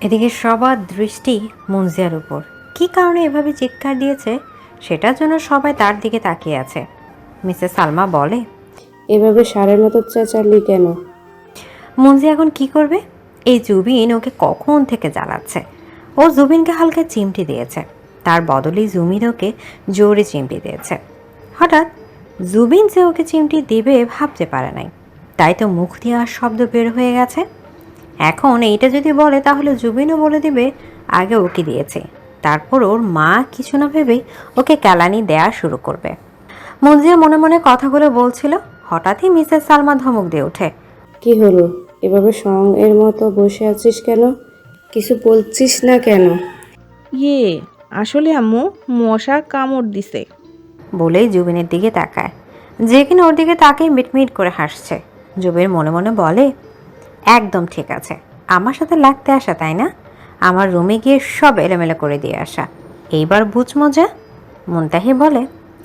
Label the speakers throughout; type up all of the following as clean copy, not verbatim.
Speaker 1: এদিকে সবার দৃষ্টি মুনজিয়ার উপর। কী কারণে এভাবে চিৎকার দিয়েছে সেটার জন্য সবাই তার দিকে তাকিয়ে আছে। মিসেস সালমা বলে,
Speaker 2: এভাবে ষাঁড়ের মতো চেঁচালি কেন?
Speaker 1: মুনজি এখন কি করবে? এই জুবিন ওকে কখন থেকে জ্বালাচ্ছে। ও জুবিনকে হালকা চিমটি দিয়েছে, তার বদলে জুবিন ওকে জোরে চিমটি দিয়েছে। হঠাৎ জুবিন যে ওকে চিমটি দিবে ভাবতে পারে নাই, তাই তো মুখ দিয়ে আর শব্দ বের হয়ে গেছে। এখন এইটা যদি বলে তাহলে জুবিনও বলে দিবে আগে ওকে দিয়েছে, তারপর ওর মা কিছু না ভেবেই ওকে কেলানি দেয়া শুরু করবে। মুনজিয়া মনে মনে কথাগুলো বলছিল, হঠাৎই মিসেস সালমা ধমক দিয়ে ওঠে।
Speaker 2: কি হলো? এভাবে এর মতো বসে আছিস কেন? কিছু বলছিস না কেন?
Speaker 3: ইয়ে, আসলে আম্মু মশা কামড় দিছে।
Speaker 1: বলেই জুবিনের দিকে তাকায়, যে কিনা ওর দিকে তাকিয়ে মিটমিট করে হাসছে। জুবিন মনে মনে বলে, একদম ঠিক আছে, আমার সাথে লাগতে আসা তাই না? আমার রুমে গিয়ে সব এলোমেলো করে দিয়ে আসা, এইবার বুঝ মজা। মুনতাহি বলে,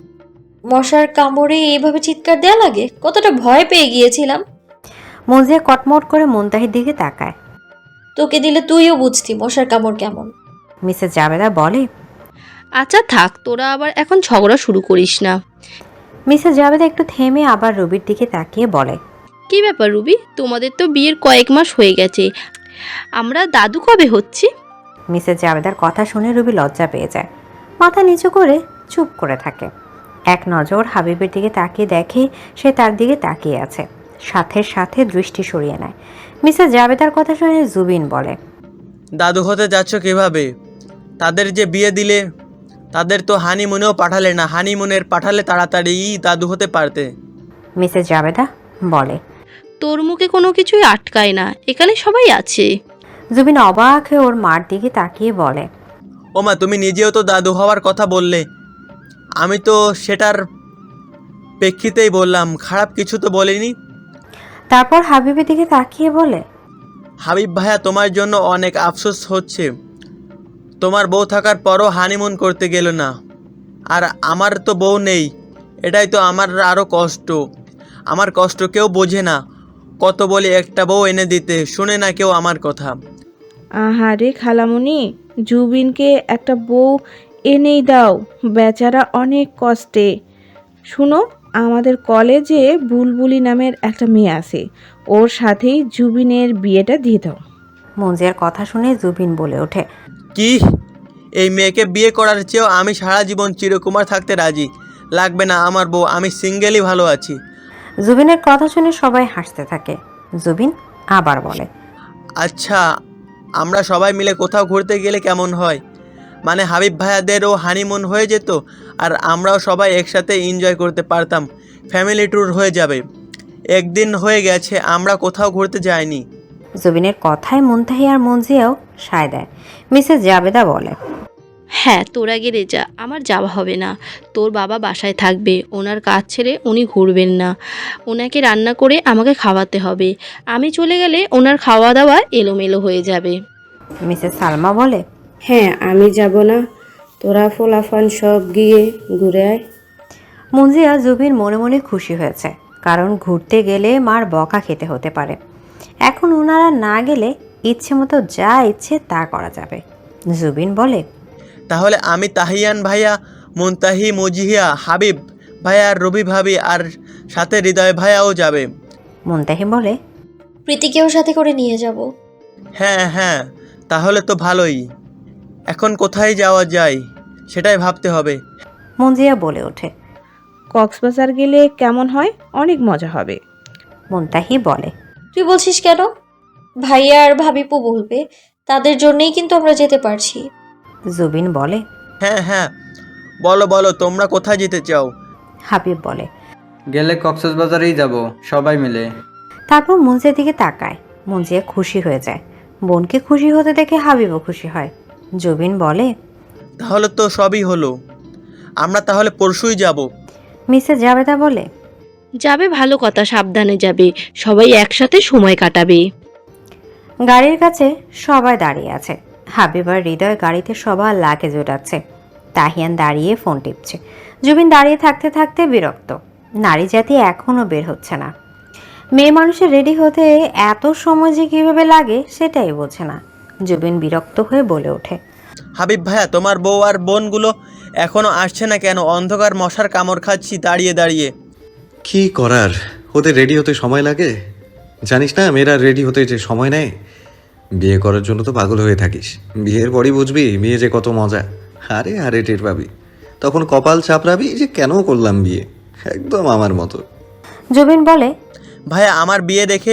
Speaker 4: মশার কামড়ে এইভাবে চিৎকার দেয়া লাগে? কতটা ভয় পেয়ে গিয়েছিলাম।
Speaker 1: মজিয়া কটমট করে মুনতাহির দিকে তাকায়।
Speaker 4: তোকে দিলে তুইও বুঝতি মশার কামড় কেমন।
Speaker 1: মিসেস জাবেদা বলে,
Speaker 5: আচ্ছা থাক, তোরা আবার এখন ঝগড়া শুরু করিস না।
Speaker 1: মিসেস জাবেদা একটু থেমে আবার রবির দিকে তাকিয়ে বলে,
Speaker 5: কি ব্যাপার রুবি, তোমাদের তো বিয়ের কয়েক মাস হয়ে গেছে, আমরা দাদু কবে হচ্ছি?
Speaker 1: মিসেস জাবেদার কথা শুনে রুবি লজ্জা পেয়ে যায়, মাথা নিচু করে চুপ করে থাকে। এক নজর হাবিবের দিকে তাকিয়ে দেখে সে তার দিকে তাকিয়ে আছে, সাথে সাথে দৃষ্টি সরিয়ে নেয়। মিসেস জাবেদার কথা শুনে জুবিন বলে,
Speaker 6: দাদু হতে যাচ্ছ কিভাবে? তাদের যে বিয়ে দিলে তাদের তো হানিমুনেও পাঠালে না, হানিমুনের পাঠালে তাড়াতাড়ি দাদু হতে পারতে।
Speaker 1: মিসেস জাবেদা বলে।
Speaker 5: তোর মুখে কোনো কিছুই আটকায় না, এখানে সবাই আছে।
Speaker 1: জুবিন অবাক হয়ে ওর মার দিকে তাকিয়ে বলে,
Speaker 6: ওমা, তুমি নিজেও তো দাদু হওয়ার কথা বললে, আমি তো সেটার প্রেক্ষিতেই বললাম, খারাপ কিছু তো বলিনি।
Speaker 1: তারপর হাবিবের দিকে তাকিয়ে বলে,
Speaker 6: হাবিব ভাইয়া, তোমার জন্য অনেক আফসোস হচ্ছে, তোমার বউ থাকার পরও হানিমুন করতে গেল না, আর আমার তো বউ নেই, এটাই তো আমার আরও কষ্ট। আমার কষ্ট কেউ বোঝে না, কত বলি একটা বউ এনে দিতে, শুনে না কেউ আমার কথা।
Speaker 3: আহারে খালামুনি, জুবিনকে একটা বউ এনেই দাও, বেচারা অনেক কষ্টে। শুনো, আমাদের কলেজে বুলবুলি নামের একটা মেয়ে আছে, ওর সাথেই জুবিনের বিয়েটা দিয়ে দাও।
Speaker 1: মঞ্জিয়ার কথা শুনে জুবিন বলে ওঠে,
Speaker 6: কি? এই মেয়েকে বিয়ে করার চেয়েও আমি সারা জীবন চিরকুমার থাকতে রাজি। লাগবে না আমার বউ, আমি সিঙ্গেলই ভালো আছি।
Speaker 1: জুবিনের কথা শুনে সবাই হাসতে থাকে। জুবিন আবার বলে,
Speaker 6: আচ্ছা, আমরা সবাই মিলে কোথাও ঘুরতে গেলে কেমন হয়? মানে হাবিব ভাইয়াদেরও হানিমুন হয়ে যেত, আর আমরাও সবাই একসাথে এনজয় করতে পারতাম, ফ্যামিলি ট্যুর হয়ে যাবে। একদিন হয়ে গেছে আমরা কোথাও ঘুরতে যাইনি।
Speaker 1: জুবিনের কথায় মুনতাহি আর মঞ্জিয়াও সায় দেয়। মিসেস জাবেদা বলে,
Speaker 5: হ্যাঁ, তোরা গেলে যা, আমার যাওয়া হবে না। তোর বাবা বাসায় থাকবে, ওনার কাজ ছেড়ে উনি ঘুরবেন না, ওনাকে রান্না করে আমাকে খাওয়াতে হবে। আমি চলে গেলে ওনার খাওয়া দাওয়া এলোমেলো হয়ে যাবে।
Speaker 1: মিসেস সালমা বলে,
Speaker 2: হ্যাঁ, আমি যাব না, তোরা ফোলাফান সব গিয়ে ঘুরে আয়।
Speaker 1: মঞ্জিয়া জুবিন মনে মনে খুশি হয়েছে, কারণ ঘুরতে গেলে মার বকা খেতে হতে পারে। এখন ওনারা না গেলে ইচ্ছে মতো যা ইচ্ছে তা করা যাবে। জুবিন বলে,
Speaker 6: তাহলে আমি তাহিয়ান ভাইয়া, মুনতাহি, মুজিহিয়া, হাবিব ভাইয়া আর রবি ভাবি, আর সাথে হৃদয় ভাইয়াও যাবে।
Speaker 1: মুনতাহি বলে,
Speaker 4: প্রীতিকেও সাথে করে নিয়ে যাব।
Speaker 6: হ্যাঁ হ্যাঁ, তাহলে তো ভালোই। এখন কোথায় যাওয়া যায় সেটাই ভাবতে হবে।
Speaker 1: মঞ্জিয়া বলে ওঠে।
Speaker 3: কক্সবাজার গেলে কেমন হয়? অনেক মজা হবে।
Speaker 1: মুনতাহি বলে,
Speaker 4: তুই বলছিস কেন? ভাইয়া আর ভাবিপু বলবে, তাদের জন্যই কিন্তু আমরা যেতে পারছি।
Speaker 1: জুবিন বলে,
Speaker 6: হ্যাঁ হ্যাঁ, বলো বলো, তোমরা কোথায় যেতে চাও?
Speaker 1: হাবিব বলে।
Speaker 7: গেলে কক্সবাজারেই যাব, সবাই মিলে।
Speaker 1: তারপর মঞ্জিয়ার দিকে তাকায়। মঞ্জিয়া খুশি হয়ে যায়। বোনকে খুশি হতে দেখে হাবিবও খুশি হয়। জুবিন বলে,
Speaker 6: তাহলে তো সবই হলো, আমরা তাহলে পরশুই যাব।
Speaker 1: মিসেস জাবেদা বলে,
Speaker 5: যাবে, ভালো কথা, সাবধানে যাবে, সবাই একসাথে সময় কাটাবে।
Speaker 1: গাড়ির কাছে সবাই দাঁড়িয়ে আছে। হাবিব আর হৃদয় গাড়িতে সবার লাগেজ ওঠাচ্ছে। তাহিয়ান দাঁড়িয়ে ফোন টিপছে। জুবিন দাঁড়িয়ে থাকতে থাকতে বিরক্ত। নারী জাতি এখনও বের হচ্ছে না। মেয়ে মানুষের রেডি হতে এত সময় যে কীভাবে লাগে সেটাই বোঝে না। জুবিন বিরক্ত হয়ে বলে ওঠে।
Speaker 6: হাবিব ভাইয়া, তোমার বউ আর বোনগুলো এখনো আসছে না কেন? অন্ধকার মশার কামড় খাচ্ছি দাঁড়িয়ে দাঁড়িয়ে।
Speaker 8: কি করার, ওদের রেডি হতে সময় লাগে। জানিস না মেয়েরা রেডি হতে যে সময় নেয়। বিয়ে করার জন্য তো পাগল হয়ে থাকিস, বিয়ের পরই বুঝবি বিয়ে যে কত মজা। আরে আরে টের পাবি, তখন কপাল চাপড়াবি যে কেন করলাম বিয়ে, একদম আমার মতো।
Speaker 1: জুবিন বলে,
Speaker 6: ভাইয়া, আমার বিয়ে দেখে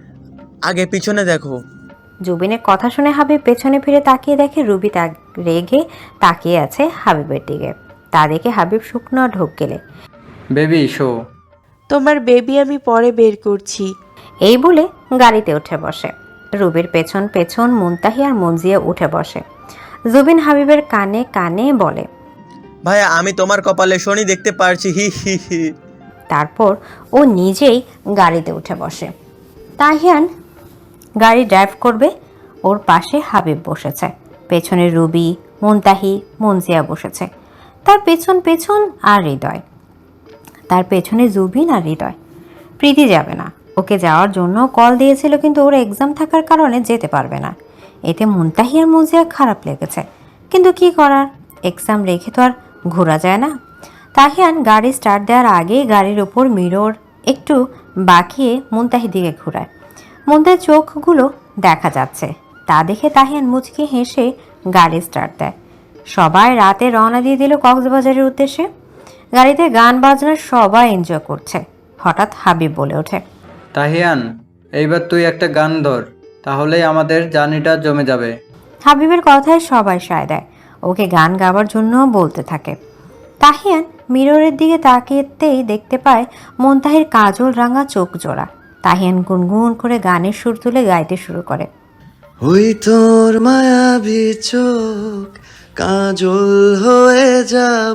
Speaker 6: আগে পিছনে দেখো।
Speaker 1: জুবিনের কথা শুনে হাবিব পেছনে ফিরে তাকিয়ে দেখে রুবি রেগে তাকিয়ে আছে হাবিবের দিকে। তা দেখে হাবিব শুকনো ঢোক গেলে
Speaker 7: বেবি শো।
Speaker 9: তোমার বেবি আমি পরে বের করছি।
Speaker 1: এই বলে গাড়িতে উঠে বসে। রুবির পেছন পেছন মুনতাহি আর মঞ্জিয়া উঠে বসে। জুবিন হাবিবের কানে কানে বলে,
Speaker 6: ভাইয়া, আমি তোমার কপালে শনি দেখতে পারছি, হি হি হি।
Speaker 1: তারপর ও নিজেই গাড়িতে উঠে বসে। তাহিয়ান গাড়ি ড্রাইভ করবে, ওর পাশে হাবিব বসেছে। পেছনে রুবি, মুনতাহি, মঞ্জিয়া বসেছে। তার পেছন পেছন আর হৃদয়, তার পেছনে জুবিন আর হৃদয়। প্রীতি যাবে না, ওকে যাওয়ার জন্য কল দিয়েছিল, কিন্তু ওর এক্সাম থাকার কারণে যেতে পারবে না। এতে মুনতাহি আর মঞ্জিয়া খারাপ লেগেছে, কিন্তু কি করার, এক্সাম রেখে তো আর ঘোরা যায় না। তাহিয়ান গাড়ি স্টার্ট দেওয়ার আগেই গাড়ির ওপর মিরর একটু বাঁকিয়ে মুনতাহির দিকে ঘোরায়। মুনতাহির চোখগুলো দেখা যাচ্ছে, তা দেখে তাহিয়ান মুচকি হেসে গাড়ি স্টার্ট দেয়। সবাই রাতে রওনা দিয়ে দিল কক্সবাজারের উদ্দেশ্যে। গাড়িতে গান বাজনা সবাই এনজয় করছে। হঠাৎ হাবিব বলে ওঠে,
Speaker 7: তাহিয়ান, এইবার তুই একটা গান ধর, তাহলেই আমাদের জার্নিটা জমে যাবে।
Speaker 1: হাবিবের কথায় সবাই সায় দেয়, ওকে গান গাওয়ার জন্য বলতে থাকে। তাহিয়ান মিররের দিকে তাকিয়েতেই দেখতে পায় মুনতাহির কাজল রাঙা চোখ জোড়া। তাহিয়ান গুনগুন করে গানের সুর তুলে গাইতে শুরু করে।
Speaker 8: ওই তোর মায়াবী চোখ কাজল হয়ে যাব,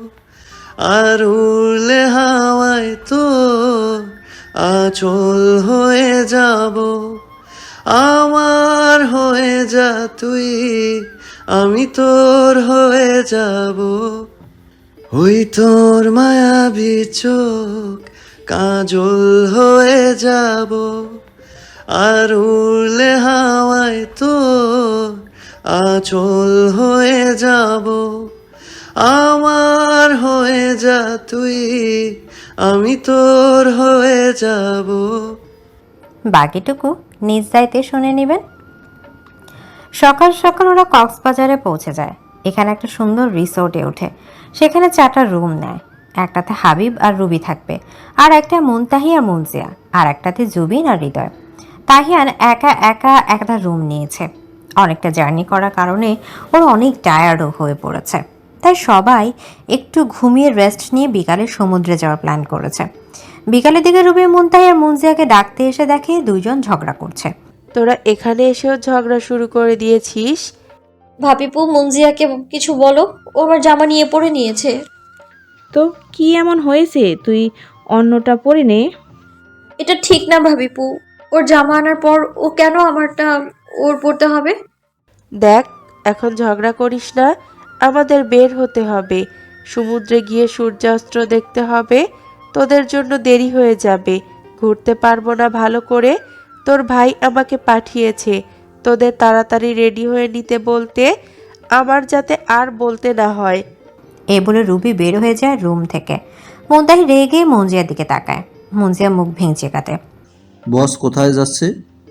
Speaker 8: আর উড়লে হাওয়ায় তো আঁচল হয়ে যাব। আমার হয়ে যা তুই, আমি তোর হয়ে যাব। ওই তোর মায়াবী চোখ কাজল হয়ে যাব, আর উড়লে হাওয়ায় তো আঁচল হয়ে যাব। আমার হয়ে যা তুই, আমি তোর হয়ে যাব।
Speaker 1: বাকিটুকু নিজ দায়িত্বে শুনে নেবেন। সকাল সকাল ওরা কক্সবাজারে পৌঁছে যায়। এখানে একটা সুন্দর রিসোর্টে ওঠে। সেখানে 4টা রুম নেয়। একটাতে হাবিব আর রুবি থাকবে, আর একটা মুনতাহি আর মুনজিয়া, আর একটাতে জুবিন আর হৃদয়। তাহিয়ান একা একা একটা রুম নিয়েছে। অনেকটা জার্নি করার কারণে ওর অনেক টায়ার্ডও হয়ে পড়েছে, তাই সবাই একটু ঘুমিয়ে রেস্ট নিয়ে বিকালে সমুদ্রে যাওয়ার প্ল্যান করেছে। বিকালের দিকে রুবি মুনতাহি আর মুনজিয়াকে ডাকতে এসে দেখে দুইজন ঝগড়া করছে।
Speaker 9: তোরা এখানে এসেও ঝগড়া শুরু করে দিয়েছিস?
Speaker 4: ভাবিপু, মঞ্জিয়াকে কিছু বলো, ও আমার জামা নিয়ে পরে নিয়েছে।
Speaker 3: তো কি এমন হয়েছে, তুই অন্যটা পরে নে।
Speaker 4: এটা ঠিক না ভাবিপু, ওর জামা আনার পর ও কেন আমারটা ওর পরতে হবে?
Speaker 9: দেখ, এখন ঝগড়া করিস না, আমাদের বের হতে হবে। সমুদ্রে গিয়ে সূর্যাস্ত দেখতে হবে, তোদের জন্য দেরি হয়ে যাবে, ঘুরতে পারবো না ভালো করে। তোর ভাই আমাকে পাঠিয়েছে তোদের তাড়াতাড়ি রেডি হয়ে নিতে বলতে, আমার যাতে আর বলতে না হয়।
Speaker 1: এ বলে রুবি বের হয়ে যায় রুম থেকে। মুনতাহি রেগে মঞ্জিয়ার দিকে তাকায়। মঞ্জিয়া মুখ ভেঙচে কাটে।
Speaker 10: বস কোথায় যাচ্ছে?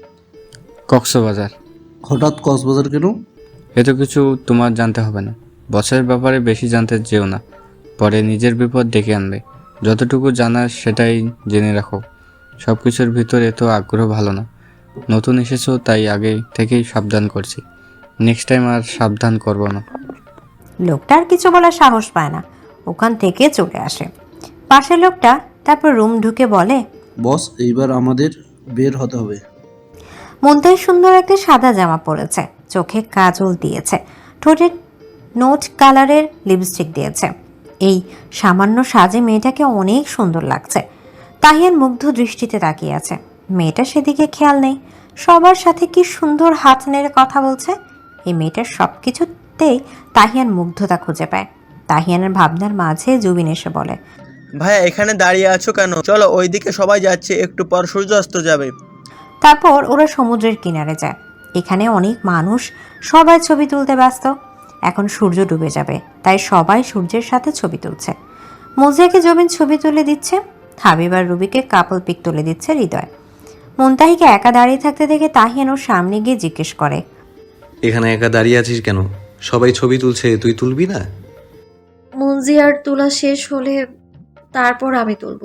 Speaker 11: কক্সবাজার।
Speaker 10: হঠাৎ কক্সবাজার কেন?
Speaker 11: এত কিছু তোমার জানতে হবে না। বসের ব্যাপারে বেশি জানতে যেও না, পরে নিজের বিপদ ডেকে আনবে। যতটুকু জানার সেটাই জেনে রাখো। সব কিছুর ভিতরে এত আগ্রহ ভালো না। নতুন এসেছো তাই আগে থেকেই সাবধান করছি। নেক্সট টাইম আর সাবধান করবো না।
Speaker 1: লোকটা আর কিছু বলার সাহস পায় না, ওখান থেকে চলে আসে। পাশের লোকটা তারপর রুম ঢুকে বলে,
Speaker 10: বস, এইবার আমাদের বের হতে হবে।
Speaker 1: মুনতাহি সুন্দর একটা সাদা জামা পরেছে, চোখে কাজল দিয়েছে, ঠোঁটে নোট কালারের লিপস্টিক দিয়েছে। এই সামান্য সাজে মেয়েটাকে অনেক সুন্দর লাগছে। তাহিয়ান মুগ্ধ দৃষ্টিতে তাকিয়ে আছে। মেয়েটা সেদিকে খেয়াল নেই, সবার সাথে কি সুন্দর হাত নেড়ে কথা বলছে। এই মেয়েটার সব কিছুতেই তাহিয়ান মুগ্ধতা খুঁজে পায়। তাহিয়ানের ভাবনার মাঝে জুবিন এসে বলে,
Speaker 6: ভাইয়া, এখানে দাঁড়িয়ে আছো কেন? চলো, ওইদিকে সবাই যাচ্ছে, একটু পর সূর্য অস্ত যাবে।
Speaker 1: তারপর ওরা সমুদ্রের কিনারে যায়। এখানে অনেক মানুষ, সবাই ছবি তুলতে ব্যস্ত। এখন সূর্য ডুবে যাবে, তাই সবাই সূর্যের সাথে ছবি তুলছে। মুজিয়াকে জবিন ছবি তুলে দিচ্ছে, হাবিব আর রুবিকে কাপল পিক তুলে দিচ্ছে হৃদয়। মুনতাহিকে একা দাঁড়িয়ে থাকতে দেখে তাহিয়ান ওর সামনে গিয়ে জিজ্ঞেস করে,
Speaker 8: এখানে একা দাঁড়িয়ে আছিস কেন? সবাই ছবি তুলছে, তুই তুলবি না?
Speaker 4: মুনজিয়ার তোলা শেষ হলে তারপর আমি তুলবো।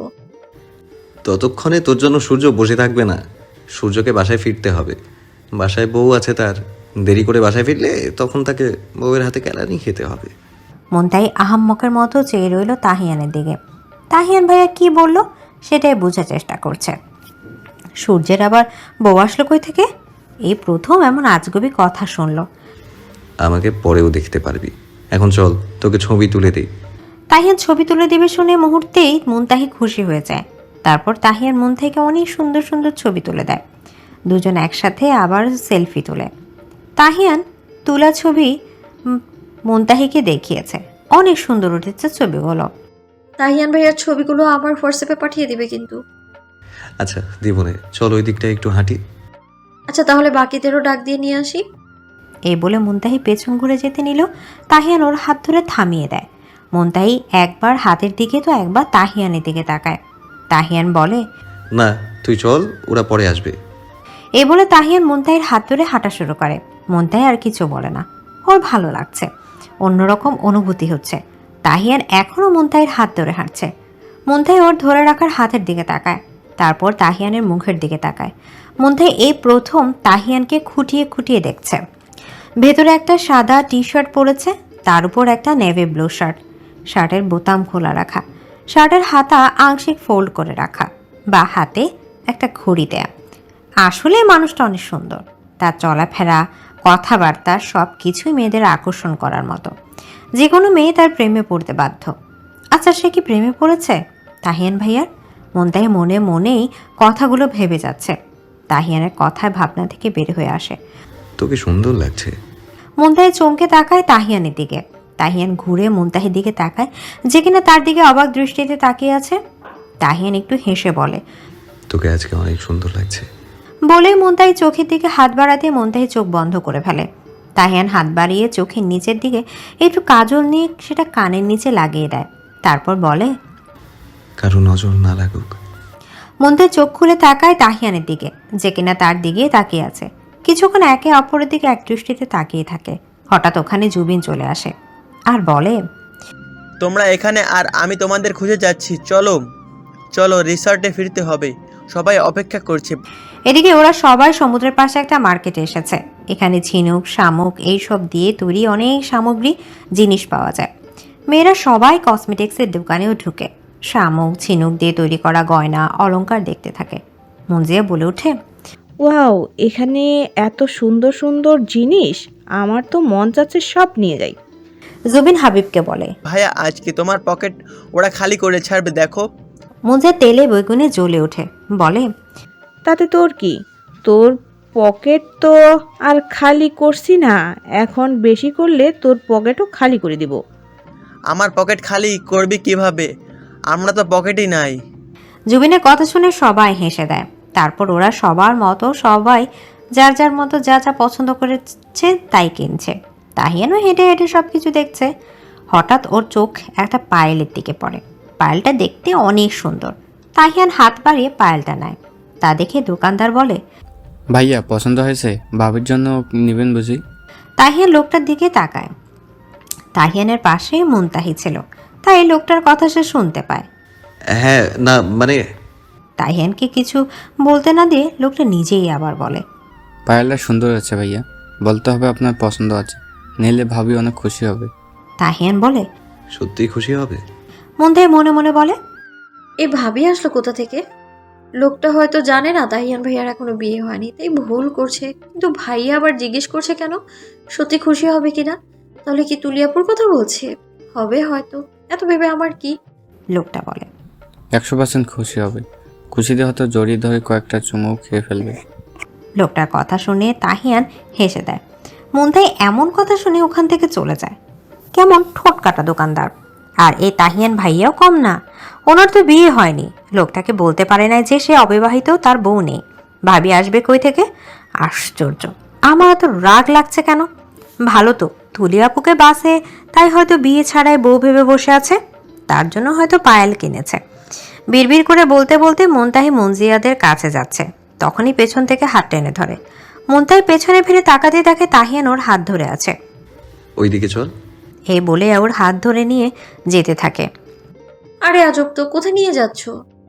Speaker 8: ততক্ষণে তোর জন্য সূর্য বসে থাকবে না। সূর্যকে বাসায় ফিরতে হবে। বাসায় বউ আছে তার। দেরি করে বাসায় ফিরলে তখন তাকে বউয়ের হাতে কেলানি খেতে হবে।
Speaker 1: মুনতাহি আহাম্মকের মতো চেয়ে রইল তাহিয়ানের দিকে। তাহিয়ান ভাইয়া কি বলল সেটাই বোঝার চেষ্টা করছে। সূর্যের আবার বউ আসলো কই থেকে? এই প্রথম এমন আজগুবি কথা শুনল।
Speaker 8: আমাকে পরেও দেখতে পারবি। এখন চল, তোকে ছবি তুলে দিই।
Speaker 1: তাহিয়ান ছবি তুলে দিবে শুনে মুহূর্তেই মুনতাহি খুশি হয়ে যায়। তারপর তাহিয়ান মন থেকে অনেক সুন্দর সুন্দর ছবি তুলে দেয়। দুজন একসাথে আবার সেলফি তোলে। তাহিয়ান তোলা ছবি মুনতাহিকে দেখিয়েছে, অনেক সুন্দর উঠেছে ছবিগুলো।
Speaker 4: তাহিয়ান ভাইয়ার ছবিগুলো আমার হোয়াটসঅ্যাপে পাঠিয়ে দিবে কিন্তু।
Speaker 8: আচ্ছা দিবনে, চল ওই দিকটা একটু হাঁটি।
Speaker 4: আচ্ছা তাহলে বাকিদেরও ডাক দিয়ে নিয়ে আসি।
Speaker 1: এই বলে মুনতাহি পেছন ঘুরে যেতে নিল। তাহিয়ান ওর হাত ধরে থামিয়ে দেয়। মুনতাহি একবার হাতের দিকে তো একবার তাহিয়ানের দিকে তাকায়। তাহিয়ান বলে,
Speaker 8: না তুই চল, ওরা পরে আসবে।
Speaker 1: এই বলে তাহিয়ান মুনতাহির হাত ধরে হাঁটা শুরু করে। মুনতাহি আর কিছু বলে না, ওর ভালো লাগছে, অন্যরকম অনুভূতি হচ্ছে। তাহিয়ান এখনও মুনতাহির হাত ধরে হাঁটছে। মুনতাহি ওর ধরে রাখার হাতের দিকে তাকায়, তারপর তাহিয়ানের মুখের দিকে তাকায়। মুনতাহি এই প্রথম তাহিয়ানকে খুঁটিয়ে খুঁটিয়ে দেখছে। ভেতরে একটা সাদা টি শার্ট পরেছে, তার উপর একটা নেভি ব্লু শার্ট। শার্টের বোতাম খোলা রাখা, শার্টের হাতা আংশিক ফোল্ড করে রাখা, বা হাতে একটা ঘড়ি দেয়া। আসলে মানুষটা অনেক সুন্দর, তার চলাফেরা, কথাবার্তা সব কিছুই মেয়েদের আকর্ষণ করার মতো। যে কোনো মেয়ে তার প্রেমে পড়তে বাধ্য। আচ্ছা সে কি প্রেমে পড়েছে তাহিয়ান ভাইয়ার? মুনতাহি মনে মনেই কথাগুলো ভেবে যাচ্ছে। তাহিয়ানের কথায় ভাবনা থেকে বের হয়ে আসে।
Speaker 8: তোকে সুন্দর লাগছে।
Speaker 1: মুনতাহি চমকে তাকায় তাহিয়ানের দিকে। তাহিয়ান ঘুরে মুনতাহির দিকে তাকায়, যে কিনা তার দিকে অবাক দৃষ্টিতে তাকিয়ে আছে। তাহিয়ান একটু হেসে বলে,
Speaker 8: তোকে আজকে অনেক সুন্দর লাগছে।
Speaker 1: বলে মুনতাহি চোখের দিকে হাত বাড়াতে মুনতাহি চোখ বন্ধ করে ফেলে। তাহিয়ান হাত বাড়িয়ে চোখের নিচের দিকে একটু কাজল নিয়ে সেটা কানের নিচে লাগিয়ে দেয়। তারপর বলে,
Speaker 8: কারো নজর না লাগুক।
Speaker 1: মুনতাহি চোখ খুলে তাকায় তাহিয়ানের দিকে, যে কিনা তার দিকে তাকিয়ে আছে। কিছুক্ষণ একে অপরের দিকে এক দৃষ্টিতে তাকিয়ে থাকে। হঠাৎ ওখানে জুবিন চলে আসে আর বলে,
Speaker 6: তোমরা এখানে আর আমি তোমাদের খুঁজে যাচ্ছি। চলো চলো, রিসর্টে ফিরতে হবে, সবাই অপেক্ষা করছে।
Speaker 1: এদিকে ওরা সবাই সমুদ্রের পাশে একটা মার্কেটে এসেছে। এখানে ঝিনুক, শামুক এইসব দিয়ে তৈরি অনেক সামগ্রী জিনিস পাওয়া যায়। মেয়েরা সবাই কসমেটিক্সের দোকানেও ঢুকে শামুক, ঝিনুক দিয়ে তৈরি করা গয়না, অলংকার দেখতে থাকে। মুনজিয়া বলে ওঠে,
Speaker 3: ওয়াও, এখানে এত সুন্দর সুন্দর জিনিস, আমার তো মন চাচ্ছে সব নিয়ে যাই।
Speaker 1: জুবিন হাবিবকে বলে,
Speaker 6: ভাইয়া আজকে তোমার পকেট ওরা খালি করে ছাড়বে, দেখো।
Speaker 1: মুনজিয়া তেলে বেগুনে জ্বলে ওঠে, বলে,
Speaker 3: তাতে তোর কি? তোর পকেট তো আর খালি করছি না, এখন বেশি করলে তোর পকেটও খালি করে দিব।
Speaker 6: আমার পকেট খালি করবি কিভাবে? আমরা তো পকেটই নাই।
Speaker 1: জুবিনের কথা শুনে সবাই হেসে দেয়। তারপর ওরা সবার মতো সবাই যার যার মতো যা যা পছন্দ করেছে তাই কিনছে। তাহিয়ানও হেঁটে হেঁটে সব কিছু দেখছে। হঠাৎ ওর চোখ একটা পায়েলের দিকে পড়ে। পায়েলটা দেখতে অনেক সুন্দর। তাহিয়ান হাত বাড়িয়ে পায়েলটা নেয়। তা দেখে দোকানদার বলে,
Speaker 11: ভাইয়া পছন্দ হয়েছে? ভাবির জন্য নেবেন বুঝি?
Speaker 1: তাহিয়ান লোকটার দিকে তাকায়। তাহিয়ানের পাশেই মুনতাহি ছিল, তাই লোকটার কথা সে শুনতে পায়।
Speaker 8: হ্যাঁ, না মানে।
Speaker 1: তাহিয়ানকে কিছু বলতে না দিয়ে লোকটা নিজেই আবার বলে,
Speaker 11: পায়েলটা সুন্দর আছে ভাইয়া, বলতে হবে আপনার পছন্দ আছে, নিলে ভাবি অনেক খুশি হবে।
Speaker 1: তাহিয়ান বলে,
Speaker 8: সত্যিই খুশি হবে?
Speaker 1: মুনতাহি মনে মনে বলে,
Speaker 4: এই ভাবি আসলো কোথা থেকে? লোকটা হয়তো জানে না তাহিয়ান ভাইয়ার এখনো বিয়ে হয়নি, তাই ভুল করছে। কিন্তু ভাইয়া আবার জিজ্ঞেস করছে কেন? সত্যি খুশি হবে কিনা? তাহলে কি তুলিয়াপুর কথা বলছে? হবে হয়তো, এত ভেবে আমার কি।
Speaker 1: লোকটা বলে,
Speaker 11: 100% খুশি হবে। খুশিতে হয়তো জড়িয়ে ধরে কয়েকটা চুমু খেয়ে ফেলবে।
Speaker 1: লোকটার কথা শুনে তাহিয়ান হেসে দেয়। মুনতাহি এমন কথা শুনে ওখান থেকে চলে যায়। কেমন ঠোঁট কাটা দোকানদার। আর এই তাহিয়ান ভাইয়াও কম না, ওনার তো বিয়ে হয়নি। লোকটাকে বলতে পারে না যে সে অবিবাহিত, তার বউ নেই। ভাবি আসবে কই থেকে? আশ্চর্য, আমার এত রাগ লাগছে কেন? ভালো তো, তুলি আপুকে বাসে, তাই হয়তো বিয়ে ছাড়াই বউ ভেবে বসে আছে। তার জন্য হয়তো পায়েল কিনেছে। বিড়বিড় করে বলতে বলতে মুনতাহি মুনজিয়াদের কাছে যাচ্ছে, তখনই পেছন থেকে হাত টেনে ধরে। মুনতাহি পেছনে ফিরে তাকাতে দেখে তাহিয়ান ওর হাত ধরে আছে।
Speaker 8: ওইদিকে চল।
Speaker 1: এই বলে ওর হাত ধরে নিয়ে যেতে থাকে।
Speaker 4: আরে আজব তো, কোথায় নিয়ে যাচ্ছ?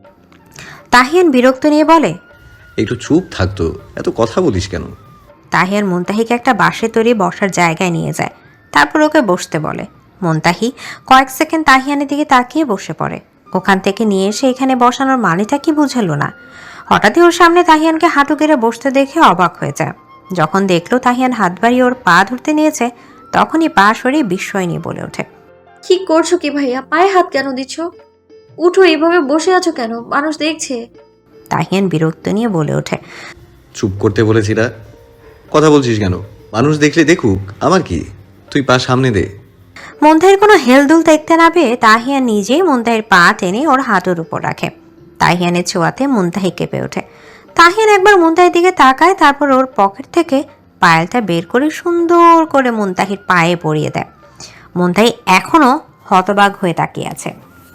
Speaker 1: তাহিয়ান বিরক্ত নিয়ে বলে।
Speaker 8: একটু চুপ থাকতো, এত কথা বলিস কেন?
Speaker 1: তাহিয়ান মুনতাহিকে একটা বাঁশের তৈরি বসার জায়গায় নিয়ে যায়, তারপর ওকে বসতে বলে। মুনতাহি কয়েক সেকেন্ড তাহিয়ানের দিকে তাকিয়ে বসে পড়ে। ওখান থেকে নিয়ে এসে এখানে বসানোর মানেটা কি বুঝালো না। হঠাৎই ওর সামনে তাহিয়ানকে হাঁটু গেড়ে বসতে দেখে অবাক হয়ে যায়। যখন দেখলো তাহিয়ান হাত বাড়িয়ে ওর পা ধরতে নিয়েছে, তখনই পা সরিয়ে বিস্ময় নিয়ে বলে ওঠে।
Speaker 4: কি করছো কি ভাইয়া? পায়ে হাত কেন দিচ্ছ? উঠো, এইভাবে বসে আছো কেন? মানুষ দেখছে।
Speaker 1: তাহিয়ান বিরক্ত নিয়ে বলে ওঠে।
Speaker 8: চুপ করতে বলেছি না? কথা বলছিস কেন? মানুষ দেখলে দেখুক, আমার কি, তুই পা সামনে দে।
Speaker 1: মুনতাহির কোনো হেলদুল দেখতে না পেয়ে তাহিয়ান নিজেই মুনতাহির পা টেনে ওর হাঁটুর উপর রাখে। তাহিয়ানের ছোঁয়াতে মুনতাহি কেঁপে ওঠে। তাহিয়ান একবার মুনতাহির দিকে তাকায়, তারপর ওর পকেট থেকে পায়েলটা বের করে সুন্দর করে মুনতাহির পায়ে পরিয়ে দেয়। মুনতাহি এখনো হতবাক হয়ে তাকিয়ে আছে।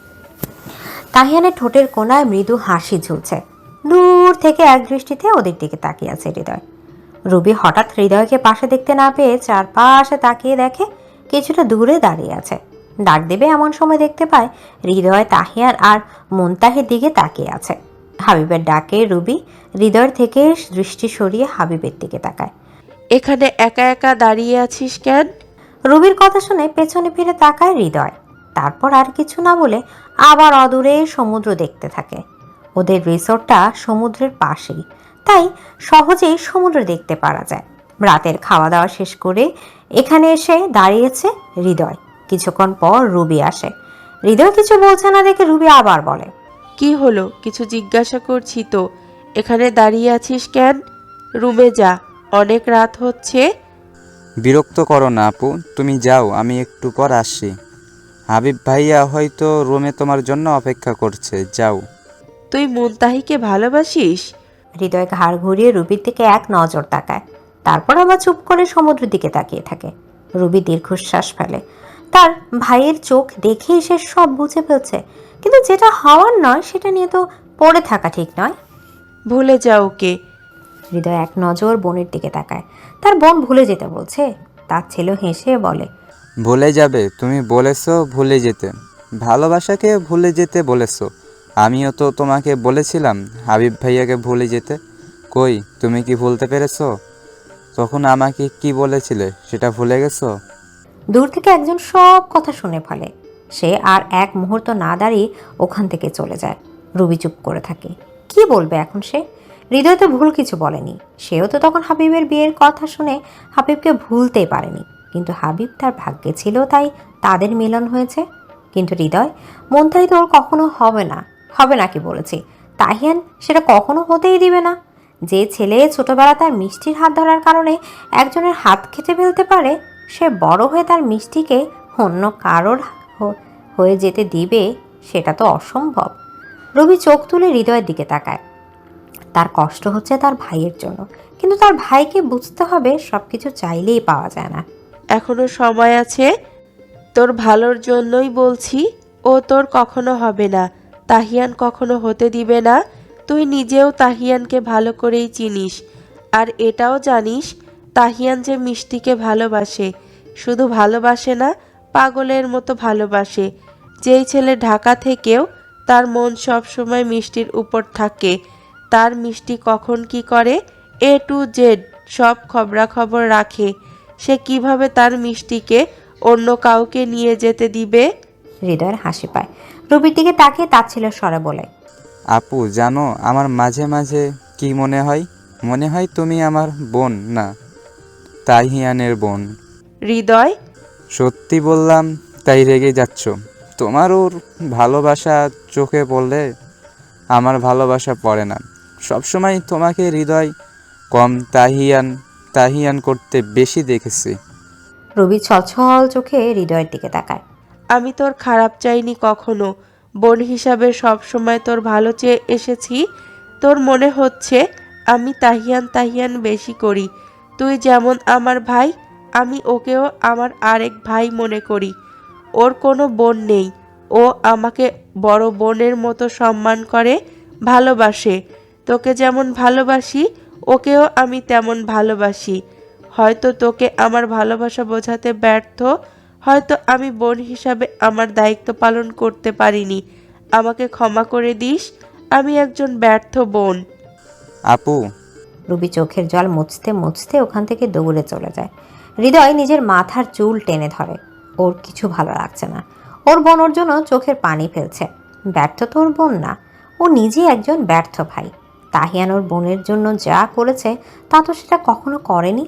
Speaker 1: তাহিয়ানের ঠোঁটের কোণায় মৃদু হাসি ঝুলছে। দূর থেকে এক দৃষ্টিতে ওদের দিকে তাকিয়ে আছে হৃদয়। রুবি হঠাৎ হৃদয়কে পাশে দেখতে না পেয়ে চারপাশে তাকিয়ে দেখে কিছুটা দূরে দাঁড়িয়ে আছে। ডাক দেবে এমন সময় দেখতে পায় হৃদয় তাহিয়ান আর মুনতাহির দিকে তাকিয়ে আছে। হাবিবের ডাকে রুবি হৃদয়ের থেকে দৃষ্টি সরিয়ে হাবিবের দিকে তাকায়।
Speaker 9: এখানে একা একা দাঁড়িয়ে আছিস কেন?
Speaker 1: রুবির কথা শুনে পেছনে ফিরে তাকায় হৃদয়। তারপর আর কিছু না বলে আবার অদূরে সমুদ্র দেখতে থাকে। ওদের রিসোর্টটা সমুদ্রের পাশেই, তাই সহজেই সমুদ্র দেখতে পারা যায়। রাতের খাওয়া দাওয়া শেষ করে এখানে এসে দাঁড়িয়েছে হৃদয়। কিছুক্ষণ পর রুবি আসে। হৃদয় কিছু বলছে না দেখে রুবি আবার বলে।
Speaker 9: কি হলো? কিছু জিজ্ঞাসা করছি তো। এখানে দাঁড়িয়ে আছিস কেন? রুমে যা, অনেক রাত হচ্ছে।
Speaker 12: বিরক্ত করো না আপু, তুমি যাও, আমি একটু পর আসছি। হাবিব ভাইয়া হয়তো রুমে তোমার জন্য অপেক্ষা করছে, যাও।
Speaker 9: তুই মুনতাহিকে ভালোবাসিস?
Speaker 1: হৃদয় ঘাড় ঘুরিয়ে রুবির দিকে এক নজর তাকায়, তারপর আবার চুপ করে সমুদ্রের দিকে তাকিয়ে থাকে। রুবি দীর্ঘশ্বাস ফেলে। তার ভাইয়ের চোখ দেখেই সে সব বুঝে ফেলছে, কিন্তু যেটা হওয়ার নয় সেটা নিয়ে তো পড়ে থাকা ঠিক নয়।
Speaker 9: ভুলে যা ওকে।
Speaker 1: হৃদয় এক নজর বোনের দিকে তাকায়। তার বোন ভুলে যেতে বলছে। তার ছেলে হেসে বলে,
Speaker 12: ভুলে যাবে? তুমি বলেছো ভুলে যেতে, ভালোবাসাকে ভুলে যেতে বলেছো। আমিও তো তোমাকে বলেছিলাম হাবিব ভাইয়াকে ভুলে যেতে। কই, তুমি কি ভুলতে পেরেছো? তখন আমাকে কি বলেছিলে সেটা ভুলে গেছো?
Speaker 1: দূর থেকে একজন সব কথা শুনে ফেলে। সে আর এক মুহূর্ত না দাঁড়িয়ে ওখান থেকে চলে যায়। রুবি চুপ করে থাকে। কি বলবে এখন সে? হৃদয় তো ভুল কিছু বলেনি। সেও তো তখন হাবিবের বিয়ের কথা শুনে হাবিবকে ভুলতেই পারেনি, কিন্তু হাবিব তার ভাগ্যে ছিল, তাই তাদের মিলন হয়েছে। কিন্তু হৃদয় মুনতাহি তো ওর কখনো হবে না। হবে না কি বলেছি? তাহিয়ান সেটা কখনো হতেই দিবে না। যে ছেলে ছোটবেলা তার মিষ্টির হাত ধরার কারণে একজনের হাত খেতে ফেলতে পারে, সে বড় হয়ে তার মিষ্টিকে অন্য কারোর হয়ে যেতে দিবে, সেটা তো অসম্ভব। রবি চোখ তুলে হৃদয়ের দিকে তাকায়। তার কষ্ট হচ্ছে তার ভাইয়ের জন্য, কিন্তু তার ভাইকে বুঝতে হবে সবকিছু চাইলেই পাওয়া যায় না।
Speaker 9: এখনো সময় আছে। তোর ভালোর জন্যই বলছি, ও তোর কখনো হবে না। তাহিয়ান কখনো হতে দিবে না। তুই নিজেও তাহিয়ানকে ভালো করেই চিনিস, আর এটাও জানিস তাহিয়ান যে মিষ্টিকে ভালোবাসে। শুধু ভালোবাসে না, পাগলের মতো ভালোবাসে। যেই ছেলে ঢাকা থেকেও তার মন সব সময় মিষ্টির উপর থাকে। তার মিষ্টি কখন কি করে A to Z সব খবরাখবর রাখে। সে কিভাবে তার মিষ্টিকে অন্য কাউকে নিয়ে যেতে দিবে?
Speaker 1: হৃদয়ের হাসি পায়। রবির দিকে তাকিয়ে তাচ্ছিল্যের স্বরে বলে,
Speaker 12: আপু জানো, আমার মাঝে মাঝে কি মনে হয়? মনে হয় তুমি আমার বোন না, তাহিয়ানের বোন।
Speaker 9: হৃদয়,
Speaker 12: সত্যি বললাম তাই রেগে যাচ্ছ? তোমার ওর ভালোবাসা চোখে পড়লে আমার ভালোবাসা পড়ে না। সবসময় তোমাকে হৃদয় কম তাহিয়ান তাহিয়ান করতে বেশি দেখেছি।
Speaker 1: রবি ছলছল চোখে হৃদয়ের দিকে তাকায়।
Speaker 9: আমি তোর খারাপ চাইনি কখনো। বোন হিসাবে সব সময় তোর ভালো চেয়ে এসেছি। তোর মনে হচ্ছে আমি তাহিয়ান তাহিয়ান বেশি করি। তুই যেমন আমার ভাই, আমি ওকেও আমার আরেক ভাই মনে করি। ওর কোনো বোন নেই, ও আমাকে বড় বোনের মতো সম্মান করে, ভালোবাসে। তোকে যেমন ভালোবাসি ওকেও আমি তেমন ভালোবাসি। হয়তো তোকে আমার ভালোবাসা বোঝাতে ব্যর্থ, হয়তো আমি বোন হিসাবে আমার দায়িত্ব পালন করতে পারিনি। আমাকে ক্ষমা করে দিস, আমি একজন ব্যর্থ বোন।
Speaker 12: আপু,
Speaker 1: রুবি চোখের জল মুছতে মুছতে ওখান থেকে দৌড়ে চলে যায়। হৃদয় নিজের মাথার চুল টেনে ধরে। ওর কিছু ভালো লাগছে না। ওর বোন ওর জন্য চোখের পানি ফেলছে। ব্যর্থ তো ওর বোন না, ও নিজে একজন ব্যর্থ ভাই। তাহিয়ান ওর বোনের জন্য যা করেছে তা তো সেটা কখনো করেনি।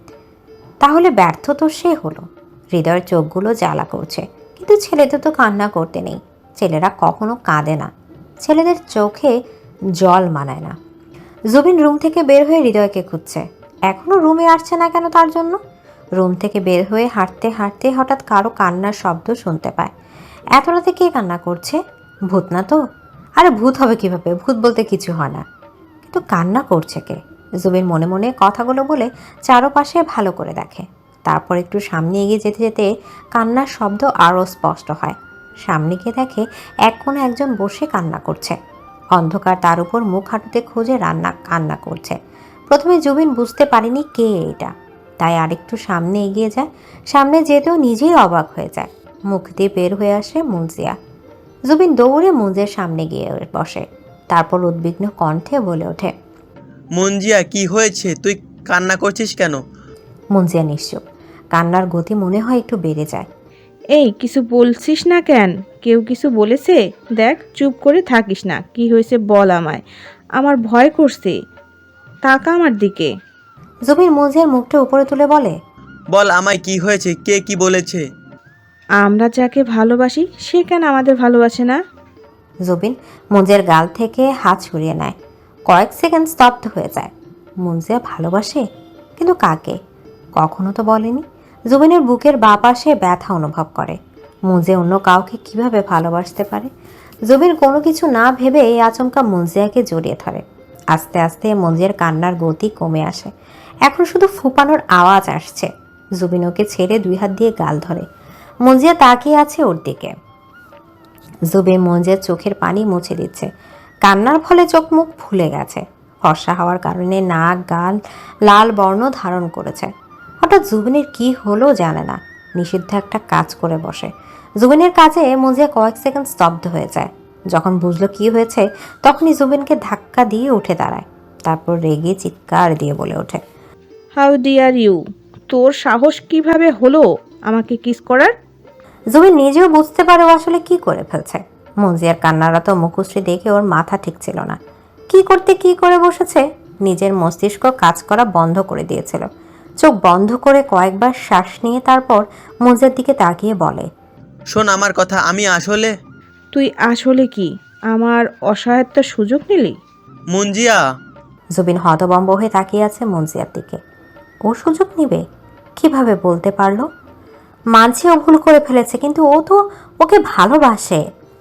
Speaker 1: তাহলে ব্যর্থ তো সে হলো। হৃদয়ের চোখগুলো জ্বালা করছে, কিন্তু ছেলেদের তো কান্না করতে নেই। ছেলেরা কখনো কাঁদে না, ছেলেদের চোখে জল মানায় না। জুবিন রুম থেকে বের হয়ে হৃদয়কে খুঁজছে। এখনও রুমে আসছে না কেন তার জন্য? রুম থেকে বের হয়ে হাঁটতে হাঁটতে হঠাৎ কারো কান্নার শব্দ শুনতে পায়। এত রাতে কে কান্না করছে? ভূত না তো? আরে ভূত হবে কিভাবে, ভূত বলতে কিছু হয় না। কিন্তু কান্না করছে কে? জুবিন মনে মনে কথাগুলো বলে চারপাশে ভালো করে দেখে। তারপর একটু সামনে এগিয়ে যেতে যেতে কান্নার শব্দ আরও স্পষ্ট হয়। সামনে গিয়ে দেখে এক কোণে একজন বসে কান্না করছে। অন্ধকার, তার উপর মুখ হাঁটুতে খুঁজে কান্না করছে। প্রথমে জুবিন বুঝতে পারেনি কে এটা, তাই আরেকটু সামনে এগিয়ে যায়। সামনে যেতেও নিজেই অবাক হয়ে যায়। মুখ দিয়ে বের হয়ে আসে মুনজিয়া। জুবিন দৌড়ে মুনজিয়ার সামনে গিয়ে বসে। তারপর উদ্বিগ্ন কণ্ঠে বলে ওঠে,
Speaker 6: মুঞ্জিয়া, কি হয়েছে? তুই কান্না করছিস কেন?
Speaker 1: মুনজিয়া নিশ্চুপ। কান্নার গতি মনে হয় একটু বেড়ে যায়।
Speaker 3: এই কিছু বলছিস না কেন? কেউ কিছু বলেছে? দেখ, চুপ করে থাকিস না। কি হয়েছে বল আমায়, আমার ভয় করছে। তাকা আমার দিকে।
Speaker 1: জুবিন মুনজিয়ার মুখটা উপরে তুলে বলে,
Speaker 6: বল আমায়, কি হয়েছে? কে কি বলেছে?
Speaker 3: আমরা যাকে ভালোবাসি সে কেন আমাদের ভালোবাসে না?
Speaker 1: জুবিন মুনজিয়ার গাল থেকে হাত সরিয়ে নেয়। কয়েক সেকেন্ড স্তব্ধ হয়ে যায়। মুনজিয়া ভালোবাসে, কিন্তু কাকে? কখনো তো বলেনি। জুবিনের বুকের বাঁ পাশে ব্যথা অনুভব করে। মুনজিয়া অন্য কাউকে কিভাবে ভালোবাসতে পারে? জুবিন কোনো কিছু না ভেবে আচমকা মুনজিয়াকে জড়িয়ে ধরে। আস্তে আস্তে মুনজিয়ার কান্নার গতি কমে আসে। এখন শুধু ফুপানোর আওয়াজ আসছে। জুবিন ওকে ছেড়ে দুই হাত দিয়ে গাল ধরে। মুনজিয়া তাকিয়ে আছে ওর দিকে। জুবিন মুনজিয়ার চোখের পানি মুছে দিচ্ছে। কান্নার ফলে চোখ মুখ ফুলে গেছে। ফর্সা হওয়ার কারণে নাক, গাল লাল বর্ণ ধারণ করেছে। হঠাৎ জুবিনের কি হলো জানে না, নিষিদ্ধ একটা কাজ করে বসে। জুবিনের কাজে মুনজিয়া কয়েক সেকেন্ড স্তব্ধ হয়ে যায়। যখন বুঝলো কি হয়েছে, তখনই জুবিনকে ধাক্কা দিয়ে উঠে দাঁড়ায়। তারপর রেগে চিৎকার দিয়ে বলে ওঠে,
Speaker 3: হাউ ডিয়ার ইউ! তোর সাহস কিভাবে হলো আমাকে কিস করার?
Speaker 1: জুবিন নিজেও বুঝতে পারে ও আসলে কি করে ফেলছে। মুনজিয়ার কান্নারত মুখশ্রী দেখে ওর মাথা ঠিক ছিল না। কি করতে কি করে বসেছে, নিজের মস্তিষ্ক কাজ করা বন্ধ করে দিয়েছিল। চোখ বন্ধ করে কয়েকবার শ্বাস নিয়ে তারপর মুনজিয়ার দিকে তাকিয়ে বলে,
Speaker 6: শোন আমার কথা, আমি আসলে...
Speaker 3: তুই আসলে কি আমার অসহায়তার সুযোগ নিলি?
Speaker 6: মুঞ্জিয়া!
Speaker 1: জুবিন হতবম্ব হয়ে তাকিয়ে আছে মুনজিয়ার দিকে। ও সুযোগ নিবে কিভাবে বলতে পারলো? মানছি ও ভুল করে ফেলেছে, কিন্তু ও তো ওকে ভালোবাসে।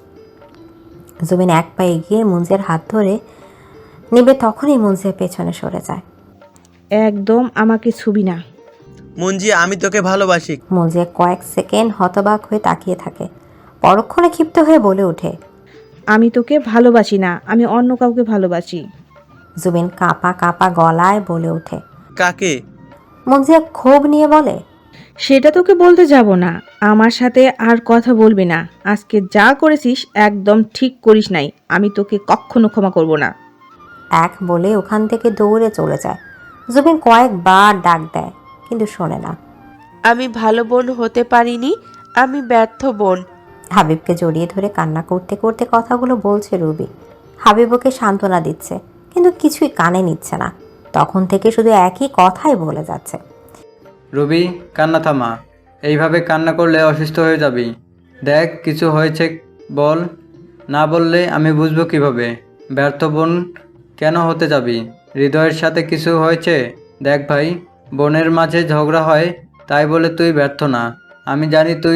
Speaker 1: জুবিন এক পা এগিয়ে মুনজিয়ার হাত ধরে নিবে, তখনই মুনজিয়া পেছনে সরে যায়।
Speaker 3: একদম আমাকে ছুবি না।
Speaker 6: মুঞ্জিয়া, আমি তোকে ভালোবাসি।
Speaker 1: মুনজিয়া কয়েক সেকেন্ড হতবাক হয়ে তাকিয়ে থাকে। পরক্ষণে ক্ষিপ্ত হয়ে বলে ওঠে,
Speaker 3: আমি তোকে ভালোবাসি না, আমি অন্য কাউকে ভালোবাসি।
Speaker 1: জুবিন কাঁপা কাঁপা গলায় বলে ওঠে,
Speaker 6: কাকে?
Speaker 1: মুনজিয়া ক্ষোভ নিয়ে বলে,
Speaker 3: সেটা তোকে বলতে যাব না। আমার সাথে আর কথা বলবি না। আজকে যা করেছিস একদম ঠিক করিস নাই। আমি তোকে কখনো ক্ষমা করব না।
Speaker 1: এক বলে ওখান থেকে দৌড়ে চলে যায়। জুবিন কয়েকবার ডাক দেয়, কিন্তু শোনে না।
Speaker 9: আমি ভালো বোন হতে পারিনি, আমি ব্যর্থ বোন।
Speaker 1: হাবিবকে জড়িয়ে ধরে কান্না করতে করতে কথাগুলো বলছে রুবি। হাবিব ওকে সান্ত্বনা দিচ্ছে, কিন্তু কিছুই কানে নিচ্ছে না। তখন থেকে শুধু একই কথাই বলে যাচ্ছে।
Speaker 7: রবি, কান্না থামা। এইভাবে কান্না করলে অসুস্থ হয়ে যাবি। দেখ, কিছু হয়েছে বল। না বললে আমি বুঝবো কিভাবে? ব্যর্থ বোন কেন হতে যাবি? হৃদয়ের সাথে কিছু হয়েছে? দেখ ভাই, বোনের মাঝে ঝগড়া হয় তাই বলে তুই ব্যর্থ না। আমি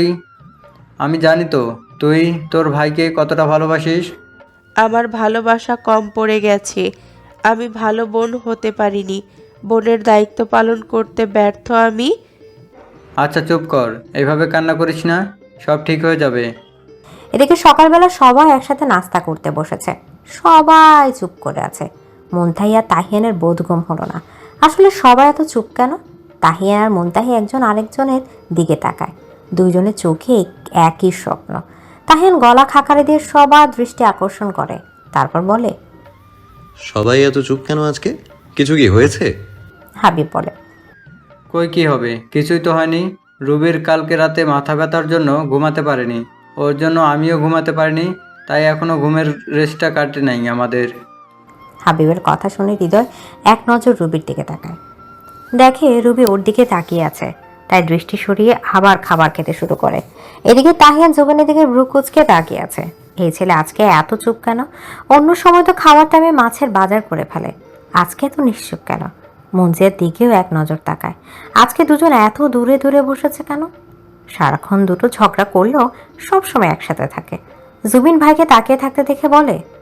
Speaker 7: জানি তো তুই তোর ভাইকে কতটা ভালোবাসিস।
Speaker 9: আমার ভালোবাসা কম পড়ে গেছে, আমি ভালো বোন হতে পারিনি। বোনের দায়িত্ব পালন করতে ব্যর্থ আমি।
Speaker 7: আচ্ছা চুপ কর, এইভাবে কান্না করিস না, সব ঠিক হয়ে যাবে।
Speaker 1: এদিকে সকালবেলা সবাই একসাথে নাস্তা করতে বসেছে। সবাই চুপ করে আছে। মুনতাহি আর তাহিয়ানের বোধগম্য হলো না। আসলে সবাই এত চুপ কেন? তাহিয়ান আর মুনতাহি একজন আরেকজনের দিকে তাকায়। দুইজনের চোখে একই স্বপ্ন। তাহিয়ান গলা খাকারে দিয়ে সবার দৃষ্টি আকর্ষণ করে, তারপর বলে,
Speaker 8: সবাই এত চুপ কেন আজকে? কিছু কি হয়েছে?
Speaker 1: হাবিব বলে,
Speaker 7: কই কি হবে, কিছুই তো হয়নি। রুবির কালকে রাতে মাথা ব্যথার জন্য ঘুমাতে পারেনি, ওর জন্য আমিও ঘুমাতে পারিনি, তাই এখনো ঘুমের রেস্টটা কাটে নাই আমাদের।
Speaker 1: হাবিবের কথা শুনে হৃদয় এক নজর রুবির দিকে তাকায়। দেখে রুবি ওর দিকে তাকিয়ে আছে, তাই দৃষ্টি সরিয়ে আবার খাবার খেতে শুরু করে। এদিকে তাহিয়ান জুবিনের দিকে ভ্রু কুঁচকে তাকিয়ে আছে। এই ছেলে আজকে এত চুপ কেন? অন্য সময় তো খাওয়ার টাইমে মাছের বাজার করে ফেলে, আজকে এত নিশ্চুপ কেন? মঞ্জিয়ার দিকেও এক নজর তাকায়। আজকে দুজন এত দূরে দূরে বসেছে কেন? সারাক্ষণ দুটো ঝগড়া করলেও সবসময় একসাথে থাকে। জুবিন ভাইকে তাকিয়ে থাকতে দেখে বলে,